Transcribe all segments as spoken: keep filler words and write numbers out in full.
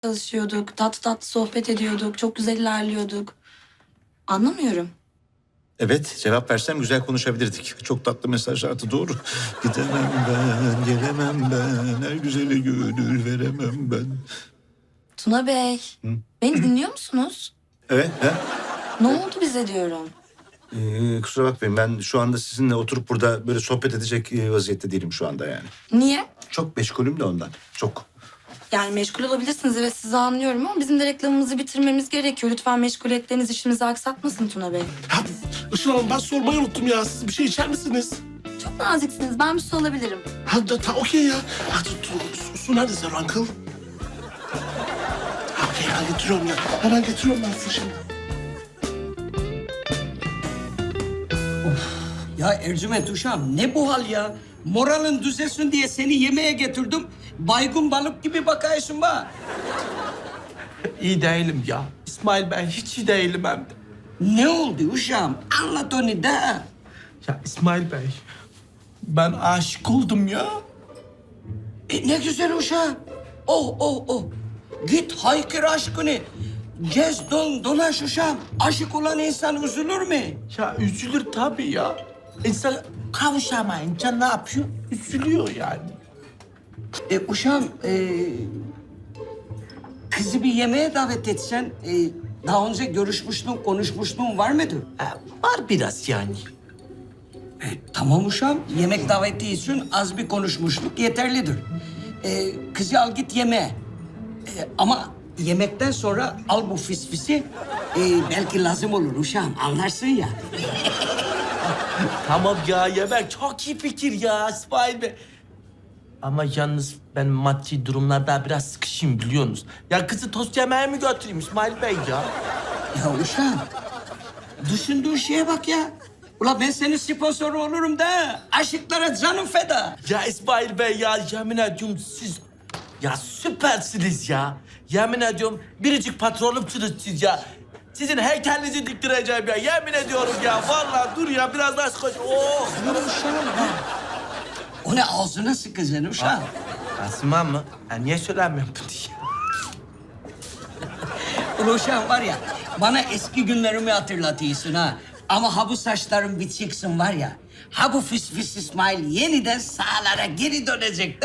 çalışıyorduk. Tatlı tatlı sohbet ediyorduk. Çok güzel ilerliyorduk. Anlamıyorum. Evet, cevap versem güzel konuşabilirdik. Çok tatlı mesajlardı, doğru. Gidemem ben, gelemem ben, her güzele gönül veremem ben. Tuna Bey, beni dinliyor musunuz? Evet, ha? Ne oldu bize diyorum. Ee, kusura bakmayın, ben şu anda sizinle oturup burada böyle sohbet edecek e, vaziyette değilim şu anda yani. Niye? Çok meşgulüm de ondan, çok. Yani meşgul olabilirsiniz, evet, sizi anlıyorum ama bizim de reklamımızı bitirmemiz gerekiyor. Lütfen meşguliyetleriniz işimizi aksatmasın Tuna Bey. Ya Işıl Hanım ben sormayı unuttum ya. Siz bir şey içer misiniz? Çok naziksiniz, ben bir su alabilirim. Ha da ta okey ya. Ha, su, su, su nerede sen Uncle? Ha, okey ben getiriyorum ya. Hemen getiriyorum ben size şimdi. Ya Ercüment uşağım ne bu hal ya? Moralin düzelsin diye seni yemeğe getirdim. Baygın balık gibi bakıyorsun bana. İyi değilim ya. İsmail ben hiç iyi değilim hem de. Ne oldu uşağım? Anlat onu da. Ya İsmail Bey, ben aşık oldum ya. E, ne güzel uşağım. Oh oh oh. Git haykır aşkını. Gez don dolaş uşağım. Aşık olan insan üzülür mü? Ya üzülür tabii ya. İnsan kavuşamayınca ne yapıyor? Üzülüyor yani. E uşağım e, kızı bir yemeğe davet etsen e, daha önce görüşmüştün, konuşmuştun var mıydı? Ha, var biraz yani. E, tamam uşağım. Yemek daveti için az bir konuşmuşluk yeterlidir. E, kızı al git yemeğe. E, ama yemekten sonra al bu fisfisi. E, belki lazım olur uşağım. Anlarsın ya. Tamam ya yemek çok iyi fikir ya İsmail Bey. Ama yalnız ben maddi durumlarda biraz sıkışayım biliyorsunuz. Ya kızı tost yemeğe mi götüreyim İsmail Bey ya? Ya uşağım. Düşündüğün şeye bak ya. Ula ben senin sponsoru olurum da. Aşıklara canım feda. Ya İsmail Bey ya yemin ediyorum siz ya süpersiniz ya. Yemin ediyorum biricik patronumsunuz siz ya. Sizin heykelinizi diktireceğim ya. Yemin ediyorum ya. Vallahi dur ya biraz daha sıkış. Oh. Dur uşağım ha. O ne ağzına sıkacaksın uşağım. Asma mı? Ha, niye söylemiyorum bunu ya? Ula uşağım var ya bana eski günlerimi hatırlatıyorsun ha. Ama ha bu saçların biteceksin var ya. Ha bu fıs fıs İsmail yeniden sahalara geri dönecek de.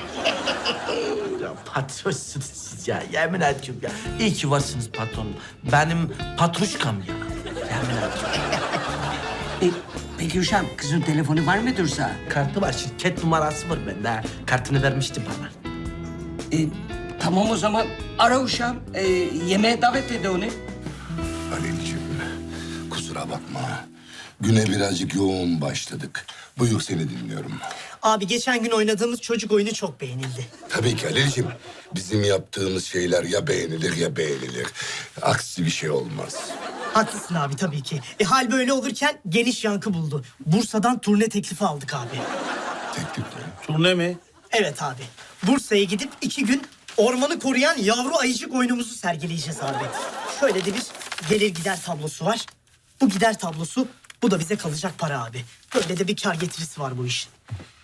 Ya patronsunuz siz ya. Yemin ediyorum ya. İyi ki varsınız patronum. Benim patruşkam ya. Yemin ediyorum. E, peki uşağım kızın telefonu var mıdır sana? Kartı var. Şirket numarası var bende. ha. Kartını vermişti bana. E, tamam o zaman ara uşağım. E, yemeğe davet ede onu. Halil'ciğim, kusura bakma. Güne birazcık yoğun başladık. Buyur seni dinliyorum. Abi geçen gün oynadığımız çocuk oyunu çok beğenildi. Tabii ki Halil'ciğim. Bizim yaptığımız şeyler ya beğenilir ya beğenilir. Aksi bir şey olmaz. Haklısın abi tabii ki. E, hal böyle olurken geniş yankı buldu. Bursa'dan turne teklifi aldık abi. Teklifler. Turne mi? Evet abi. Bursa'ya gidip iki gün ormanı koruyan yavru ayıcık oyunumuzu sergileyeceğiz abi. Şöyle de bir gelir gider tablosu var. Bu gider tablosu, bu da bize kalacak para abi. Böyle de bir kar getirisi var bu işin.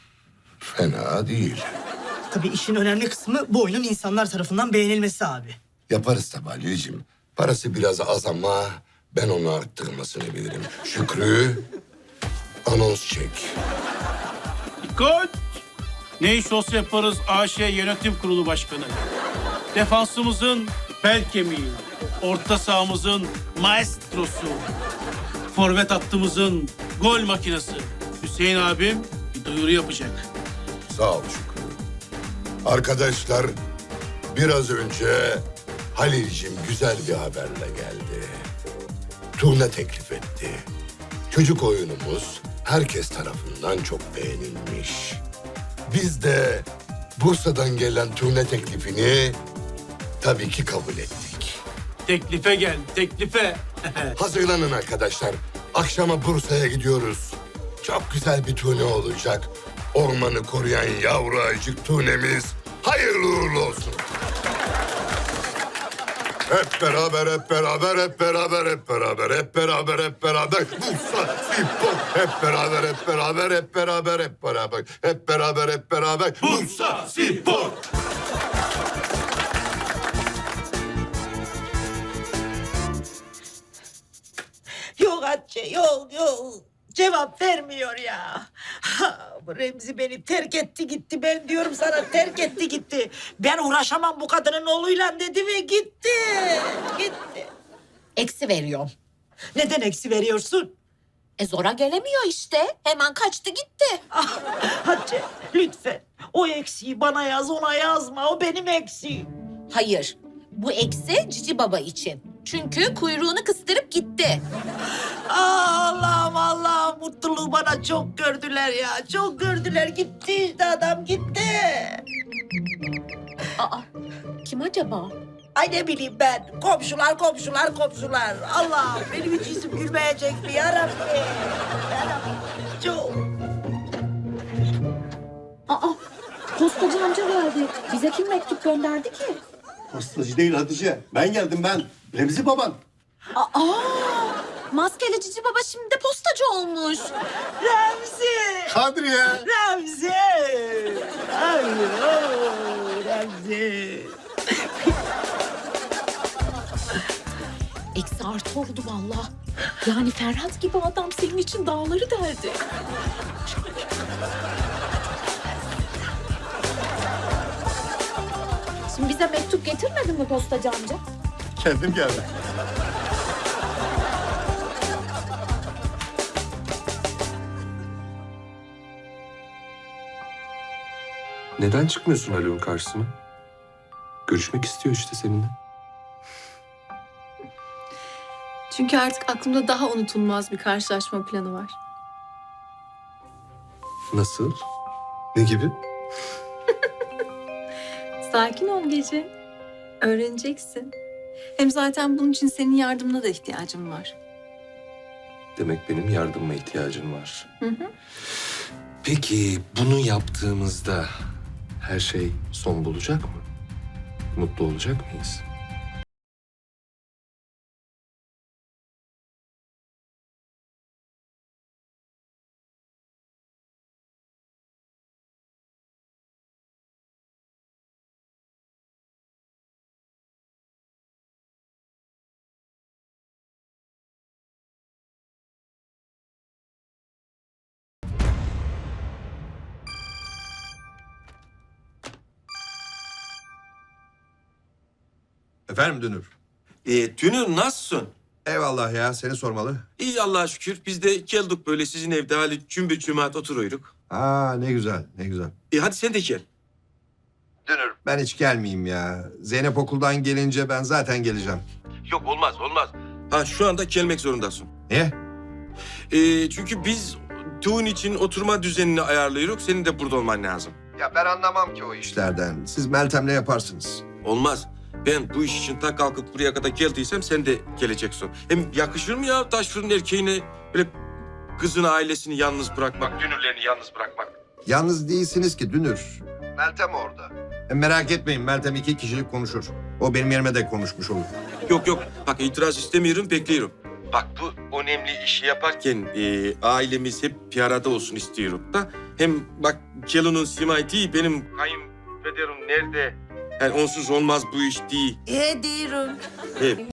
Fena değil. Tabii işin önemli kısmı bu oyunun insanlar tarafından beğenilmesi abi. Yaparız tabii Halil'ciğim. Parası biraz az ama ben onu arttırmasını bilirim. Şükrü, anons çek. Dikkat! Ne iş olsa yaparız A Ş Yönetim Kurulu Başkanı. Defansımızın bel kemiği, orta sahamızın maestrosu, forvet hattımızın gol makinesi. Hüseyin abim bir duyuru yapacak. Sağ ol Şükrü. Arkadaşlar, biraz önce Halil'cim güzel bir haberle geldi. Turne teklif etti. Çocuk oyunumuz herkes tarafından çok beğenilmiş. Biz de Bursa'dan gelen turne teklifini tabii ki kabul ettik. Teklife gel, teklife. Hazırlanın arkadaşlar. Akşama Bursa'ya gidiyoruz. Çok güzel bir turne olacak. Ormanı koruyan yavru ayıcık turnemiz hayırlı uğurlu olsun. Hep beraber, hep beraber, hep beraber, hep beraber, hep beraber, hep beraber. Bursa, Spor. Hep beraber, hep beraber, hep beraber, hep beraber. Hep beraber, hep beraber. Bursa, Spor. yok Hatice, yok yok. Cevap vermiyor ya. Ha, bu Remzi beni terk etti gitti. Ben diyorum sana terk etti gitti. Ben uğraşamam bu kadının oğluyla dedi ve gitti. Gitti. Eksi veriyorum. Neden eksi veriyorsun? E zora gelemiyor işte. Hemen kaçtı gitti. Ah, Hatice lütfen o eksiği bana yaz, ona yazma. O benim eksiğim. Hayır. Bu eksi Cici Baba için. Çünkü kuyruğunu kıstırıp gitti. Ah, Allah'ım Allah'ım mutluluğu bana çok gördüler ya. Çok gördüler. Gitti işte adam gitti. Aa, kim acaba? Ay ne bileyim ben. Komşular, komşular, komşular. Allah'ım benim hiç yüzüm gülmeyecek mi yarabbim? Yarabbim. Çok. Aa, postacı amca geldi. Bize kim mektup gönderdi ki? Postacı değil Hatice. Ben geldim ben. Remzi baban. Aa, maskeli Cici Baba şimdi de postacı olmuş. Remzi. Kadriye. Remzi. Ay, oh, Remzi. Eksi artı oldu vallahi. Yani Ferhat gibi adam senin için dağları deldi. Şimdi bize mektup getirmedin mi postacı amca? Kendim geldim. Neden çıkmıyorsun Haluk'un karşısına? Görüşmek istiyor işte seninle. Çünkü artık aklımda daha unutulmaz bir karşılaşma planı var. Nasıl? Ne gibi? Sakin ol Gece. Öğreneceksin. Hem zaten bunun için senin yardımına da ihtiyacım var. Demek benim yardımıma ihtiyacın var. Hı hı. Peki bunu yaptığımızda her şey son bulacak mı? Mutlu olacak mıyız? Efendim Dünür? E, Dünür nasılsın? Eyvallah ya, seni sormalı. İyi Allah'a şükür. Biz de geldik böyle sizin evde hali cümbür cemaat oturuyoruz. Aa ne güzel, ne güzel. E hadi sen de gel. Dünür. Ben hiç gelmeyeyim ya. Zeynep okuldan gelince ben zaten geleceğim. Yok olmaz olmaz. Ha şu anda gelmek zorundasın. Niye? E, çünkü biz düğün için oturma düzenini ayarlıyoruz. Senin de burada olman lazım. Ya ben anlamam ki o işlerden. Siz Meltem'le yaparsınız. Olmaz. Ben bu iş için ta kalkıp buraya kadar geldiysem sen de geleceksin. Hem yakışır mı ya taş fırın erkeğine böyle kızın ailesini yalnız bırakmak, dünürlerini yalnız bırakmak? Yalnız değilsiniz ki Dünür. Meltem orada. E, merak etmeyin, Meltem iki kişilik konuşur. O benim yerime de konuşmuş olur. Yok yok. Bak itiraz istemiyorum, bekliyorum. Bak bu önemli işi yaparken e, ailemiz hep bir arada olsun istiyorum da. Hem bak Kelo'nun Simay değil, benim kayınpederim nerede? Yani onsuz olmaz bu iş değil. E diyorum. Hep.